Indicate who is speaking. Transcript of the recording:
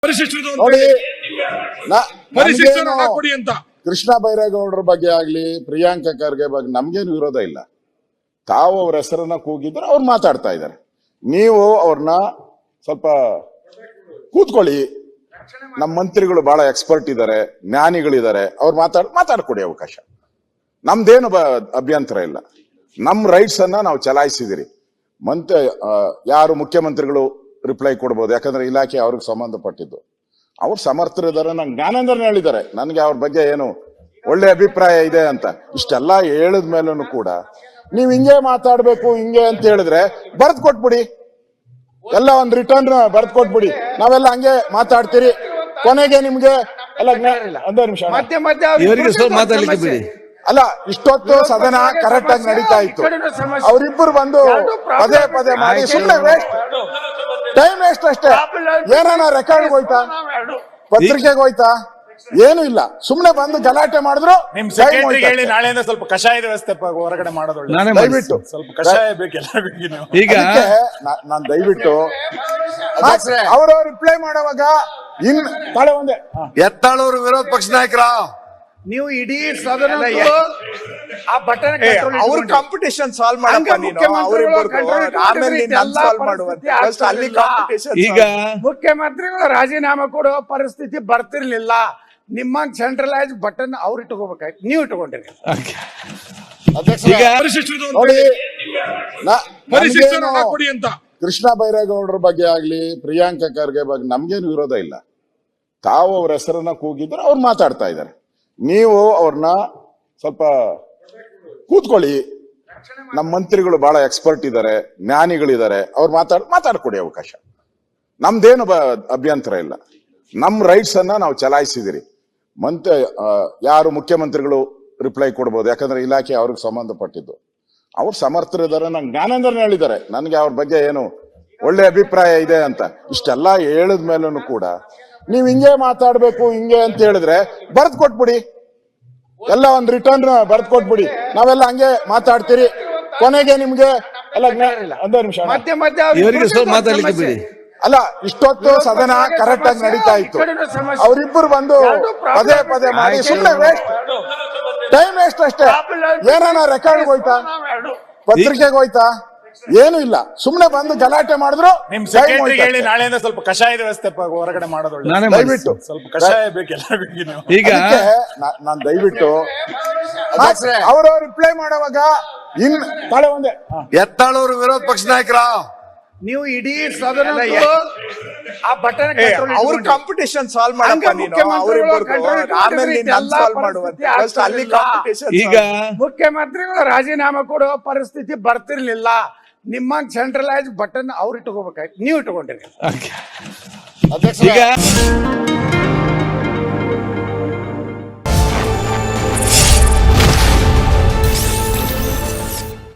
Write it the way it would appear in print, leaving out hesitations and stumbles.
Speaker 1: ನೋಡಿ
Speaker 2: ಕೊಡಿ ಅಂತ
Speaker 1: ಕೃಷ್ಣ ಬೈರೇಗೌಡರ ಬಗ್ಗೆ ಆಗ್ಲಿ ಪ್ರಿಯಾಂಕಾ ಖರ್ಗೆ ಬಗ್ಗೆ ನಮ್ಗೇನು ವಿರೋಧ ಇಲ್ಲ. ತಾವು ಅವ್ರ ಹೆಸರನ್ನ ಕೂಗಿದ್ರೆ ಅವ್ರು ಮಾತಾಡ್ತಾ ಇದ್ದಾರೆ. ನೀವು ಅವ್ರನ್ನ ಸ್ವಲ್ಪ ಕೂತ್ಕೊಳ್ಳಿ. ನಮ್ಮ ಮಂತ್ರಿಗಳು ಬಹಳ ಎಕ್ಸ್ಪರ್ಟ್ ಇದ್ದಾರೆ, ಜ್ಞಾನಿಗಳಿದ್ದಾರೆ, ಅವ್ರು ಮಾತಾಡ್ಕೊಡಿ ಅವಕಾಶ. ನಮ್ದೇನು ಅಭ್ಯಂತರ ಇಲ್ಲ. ನಮ್ ರೈಟ್ಸ್ ಅನ್ನ ನಾವು ಚಲಾಯಿಸಿದಿರಿ. ಯಾರು ಮುಖ್ಯಮಂತ್ರಿಗಳು ರಿಪ್ಲೈ ಕೊಡ್ಬೋದು, ಯಾಕಂದ್ರೆ ಇಲಾಖೆ ಅವ್ರಿಗೆ ಸಂಬಂಧಪಟ್ಟಿದ್ದು. ಅವ್ರು ಸಮರ್ಥರಿದ್ದಾರೆ, ನಂಗೆ ಜ್ಞಾನೇಂದ್ರನ್ ಹೇಳಿದ್ದಾರೆ ನನಗೆ ಅವ್ರ ಬಗ್ಗೆ ಏನು ಒಳ್ಳೆ ಅಭಿಪ್ರಾಯ ಇದೆ ಅಂತ. ಇಷ್ಟೆಲ್ಲ ಹೇಳಿದ ಮೇಲೂ ಕೂಡ ನೀವ್ ಹಿಂಗೆ ಮಾತಾಡ್ಬೇಕು ಹಿಂಗೆ ಅಂತ ಹೇಳಿದ್ರೆ ಬರ್ದ್ ಕೊಟ್ಬಿಡಿ, ಎಲ್ಲ ಒಂದ್ ರಿಟರ್ನ್ ಬರ್ದ್ ಕೊಟ್ಬಿಡಿ. ನಾವೆಲ್ಲ ಹಂಗೆ ಮಾತಾಡ್ತೀರಿ. ಕೊನೆಗೆ ನಿಮ್ಗೆ ಎಲ್ಲ ಒಂದೇ ನಿಮಿಷ ಅಲ್ಲ, ಇಷ್ಟೊತ್ತು ಸದನ ಕರೆಕ್ಟ್ ಆಗಿ ನಡೀತಾ ಇತ್ತು. ಅವರಿಬ್ಬರು ಬಂದು ಪದೇ ಪದೇ ಮಾಡಿ ಸುಮ್ಮನೆ ವೇಸ್ಟ್, ಟೈಮ್ ವೇಸ್ಟ್ ಅಷ್ಟೇ. ಏನಾನ ರೆಕಾರ್ಡ್ ಹೋಯ್ತಾ, ಪತ್ರಿಕೆಗೆ ಹೋಯ್ತಾ, ಏನು ಇಲ್ಲ. ಸುಮ್ನೆ ಬಂದು ಗಲಾಟೆ ಮಾಡಿದ್ರು.
Speaker 3: ನಿಮ್ ಸೆಕ್ರೆಟರಿಗೆ ಹೇಳಿ ನಾಳೆಯಿಂದ ಸ್ವಲ್ಪ ಕಷಾಯದ ವ್ಯವಸ್ಥೆ ಹೊರಗಡೆ ಮಾಡೋದು
Speaker 1: ದಯವಿಟ್ಟು
Speaker 3: ಸ್ವಲ್ಪ ಕಷಾಯ ಬೇಕೆಲ್ಲ.
Speaker 1: ಈಗ ನಾನ್ ದಯವಿಟ್ಟು ಅವ್ರ ರಿಪ್ಲೈ ಮಾಡುವಾಗ ತಾಳೆ ಒಂದೇ
Speaker 4: ಎತ್ತಾಳೂರು ವಿರೋಧ ಪಕ್ಷ ನಾಯಕರ
Speaker 5: ನೀವು ಇಡೀ ಸದನ ಆ ಬಟನ್
Speaker 3: ಅವ್ರ ಕಾಂಪಿಟೇಷನ್ ಸಾಲ್ವ್ ಮಾಡಪ್ಪ ನೀನು. ಆಮೇಲೆ ನೀನ್ ಸಾಲ್ವ್ ಮಾಡುವಂತೆ ಅಲ್ಲಿ ಕಾಂಪಿಟೇಷನ್.
Speaker 5: ಈಗ ಮುಖ್ಯಮಂತ್ರಿಗಳು ರಾಜೀನಾಮೆ ಕೊಡುವ ಪರಿಸ್ಥಿತಿ ಬರ್ತಿರ್ಲಿಲ್ಲ. ನಿಮ್ಮ ಸೆಂಟ್ರಲೈಸ್ ಬಟನ್ ಅವ್ರು ಇಟ್ಕೋಬೇಕಾಯ್ತು, ನೀವು ಇಟ್ಕೊಂಡಿರಿ.
Speaker 1: ನೋಡಿ
Speaker 2: ಕೊಡಿ ಅಂತ
Speaker 1: ಕೃಷ್ಣ ಬೈರೇಗೌಡರ ಬಗ್ಗೆ ಆಗ್ಲಿ ಪ್ರಿಯಾಂಕಾ ಖರ್ಗೆ ಬಗ್ಗೆ ನಮ್ಗೇನು ವಿರೋಧ ಇಲ್ಲ. ತಾವು ಅವ್ರ ಹೆಸರನ್ನ ಕೂಗಿದ್ರೆ ಅವ್ರು ಮಾತಾಡ್ತಾ ಇದ್ದಾರೆ. ನೀವು ಅವ್ರನ್ನ ಸ್ವಲ್ಪ ಕೂತ್ಕೊಳ್ಳಿ. ನಮ್ಮ ಮಂತ್ರಿಗಳು ಬಹಳ ಎಕ್ಸ್ಪರ್ಟ್ ಇದ್ದಾರೆ, ಜ್ಞಾನಿಗಳಿದ್ದಾರೆ, ಅವ್ರು ಮಾತಾಡ್ಕೊಡಿ ಅವಕಾಶ. ನಮ್ದೇನು ಅಭ್ಯಂತರ ಇಲ್ಲ. ನಮ್ ರೈಟ್ಸ್ ಅನ್ನ ನಾವು ಚಲಾಯಿಸಿದಿರಿ. ಯಾರು ಮುಖ್ಯಮಂತ್ರಿಗಳು ರಿಪ್ಲೈ ಕೊಡ್ಬೋದು, ಯಾಕಂದ್ರೆ ಇಲಾಖೆ ಅವ್ರಿಗೆ ಸಂಬಂಧಪಟ್ಟಿದ್ದು. ಅವ್ರು ಸಮರ್ಥರಿದ್ದಾರೆ, ನಂಗೆ ಜ್ಞಾನೇಂದ್ರನ್ ಹೇಳಿದ್ದಾರೆ ನನಗೆ ಅವ್ರ ಬಗ್ಗೆ ಏನು ಒಳ್ಳೆ ಅಭಿಪ್ರಾಯ ಇದೆ ಅಂತ. ಇಷ್ಟೆಲ್ಲ ಹೇಳಿದ ಮೇಲೂ ಕೂಡ ನೀವ್ ಹಿಂಗೆ ಮಾತಾಡ್ಬೇಕು ಹಿಂಗೆ ಅಂತ ಹೇಳಿದ್ರೆ ಬರ್ದ್ ಕೊಟ್ಬಿಡಿ, ಎಲ್ಲ ಒಂದ್ ರಿಟರ್ನ್ ಬರ್ದ್ ಕೊಟ್ಬಿಡಿ. ನಾವೆಲ್ಲ ಹಂಗೆ ಮಾತಾಡ್ತೀರಿ. ಕೊನೆಗೆ ನಿಮ್ಗೆ ಎಲ್ಲ ಒಂದೇ ನಿಮಿಷ ಅಲ್ಲ, ಇಷ್ಟೊತ್ತು ಸದನ ಕರೆಕ್ಟ್ ಆಗಿ ನಡೀತಾ ಇತ್ತು. ಅವರಿಬ್ಬರು ಬಂದು ಪದೇ ಪದೇ ಮಾಡಿ ಸುಮ್ಮನೆ ವೇಸ್ಟ್, ಟೈಮ್ ವೇಸ್ಟ್ ಅಷ್ಟೇ. ಏನಾನ ರೆಕಾರ್ಡ್ ಹೋಯ್ತಾ, ಪತ್ರಿಕೆಗೆ ಹೋಯ್ತಾ, ಏನು ಇಲ್ಲ. ಸುಮ್ನೆ ಬಂದು ಗಲಾಟೆ ಮಾಡಿದ್ರು.
Speaker 3: ನಿಮ್ ಸೆಕ್ರೆಟರಿಗೆ ಹೇಳಿ ನಾಳೆಯಿಂದ ಸ್ವಲ್ಪ ಕಷಾಯದ ವ್ಯವಸ್ಥೆ ಹೊರಗಡೆ ಮಾಡೋದು
Speaker 1: ದಯವಿಟ್ಟು
Speaker 3: ಸ್ವಲ್ಪ ಕಷಾಯ ಬೇಕೆಲ್ಲ.
Speaker 1: ಈಗ ನಾನ್ ದಯವಿಟ್ಟು ಅವ್ರ ರಿಪ್ಲೈ ಮಾಡುವಾಗ ತಾಳೆ ಒಂದೇ
Speaker 4: ಎತ್ತಾಳೂರು ವಿರೋಧ ಪಕ್ಷ ನಾಯಕರ
Speaker 5: ನೀವು ಇಡೀ ಸದನ ಆ ಬಟನ್
Speaker 3: ಅವ್ರ ಕಾಂಪಿಟೇಷನ್ ಸಾಲ್ವ್ ಮಾಡಪ್ಪ ನೀನು. ಆಮೇಲೆ ನೀನ್ ಸಾಲ್ವ್ ಮಾಡುವಂತೆ ಅಲ್ಲಿ ಕಾಂಪಿಟೇಷನ್.
Speaker 5: ಈಗ ಮುಖ್ಯಮಂತ್ರಿಗಳು ರಾಜೀನಾಮೆ ಕೊಡುವ ಪರಿಸ್ಥಿತಿ ಬರ್ತಿರ್ಲಿಲ್ಲ. ನಿಮ್ಮ ಸೆಂಟ್ರಲೈಸ್ ಬಟನ್ ಅವ್ರು ಇಟ್ಕೋಬೇಕಾಯ್ತು, ನೀವು ಇಟ್ಕೊಂಡಿರಿ.
Speaker 1: ಅಧ್ಯಕ್ಷ